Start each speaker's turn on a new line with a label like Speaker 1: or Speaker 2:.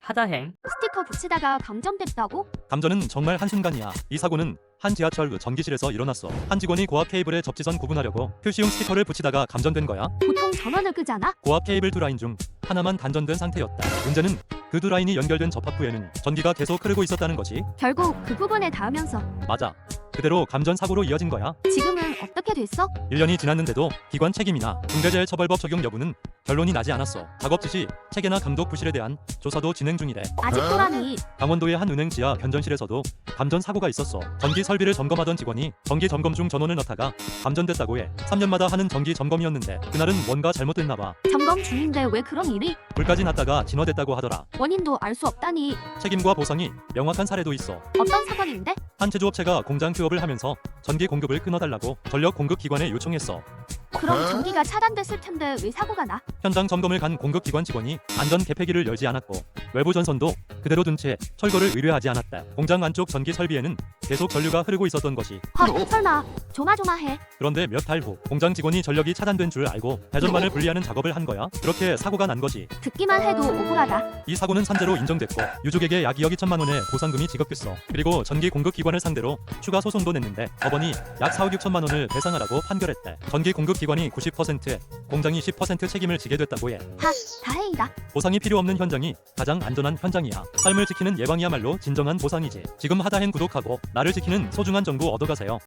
Speaker 1: 하다행.
Speaker 2: 스티커 붙이다가 감전됐다고?
Speaker 3: 감전은 정말 한순간이야. 이 사고는 한 지하철 전기실에서 일어났어. 한 직원이 고압 케이블에 접지선 구분하려고 표시용 스티커를 붙이다가 감전된 거야.
Speaker 2: 보통 전원을 끄잖아?
Speaker 3: 고압 케이블 두 라인 중 하나만 단전된 상태였다. 문제는 그 두 라인이 연결된 접합부에는 전기가 계속 흐르고 있었다는 거지.
Speaker 2: 결국 그 부분에 닿으면서
Speaker 3: 맞아. 그대로 감전 사고로 이어진 거야.
Speaker 2: 지금은 어떻게 됐어?
Speaker 3: 1년이 지났는데도 기관 책임이나 중대재해처벌법 적용 여부는 결론이 나지 않았어. 작업 지시, 체계나 감독 부실에 대한 조사도 진행 중이래.
Speaker 2: 아직도라니.
Speaker 3: 강원도의 한 은행 지하 변전실에서도 감전 사고가 있었어. 전기 설비를 점검하던 직원이 전기 점검 중 전원을 넣다가 감전됐다고 해. 3년마다 하는 정기 점검이었는데 그날은 뭔가 잘못됐나 봐.
Speaker 2: 점검 중인데 왜 그런 일이?
Speaker 3: 불까지 났다가 진화됐다고 하더라.
Speaker 2: 원인도 알 수 없다니.
Speaker 3: 책임과 보상이 명확한 사례도 있어.
Speaker 2: 어떤 사건인데?
Speaker 3: 한 제조업체가 공장 휴업을 하면서 전기 공급을 끊어달라고 전력 공급 기관에 요청했어.
Speaker 2: 그럼 전기가 차단됐을 텐데 왜 사고가 나?
Speaker 3: 현장 점검을 간 공급 기관 직원이 안전 개폐기를 열지 않았고 외부 전선도 그대로 둔 채 철거를 의뢰하지 않았다. 공장 안쪽 전기 설비에는 계속 전류가 흐르고 있었던 것이.
Speaker 2: 헐, 설마 조마조마해.
Speaker 3: 그런데 몇 달 후 공장 직원이 전력이 차단된 줄 알고 배전반을 분리하는 작업을 한 거야. 그렇게 사고가 난 거지.
Speaker 2: 듣기만 해도 억울하다.
Speaker 3: 이 사고는 산재로 인정됐고 유족에게 약 2억 2천만 원의 보상금이 지급됐어. 그리고 전기 공급 기관을 상대로 추가 소송도 냈는데 법원이 약 4억 6천만 원을 배상하라고 판결했대. 전기 공급 기관이 90%, 공장이 10% 책임을 지게 됐다고 해.
Speaker 2: 다행이다.
Speaker 3: 보상이 필요 없는 현장이 가장 안전한 현장이야. 삶을 지키는 예방이야말로 진정한 보상이지. 지금 하다행 구독하고 나를 지키는 소중한 정보 얻어가세요.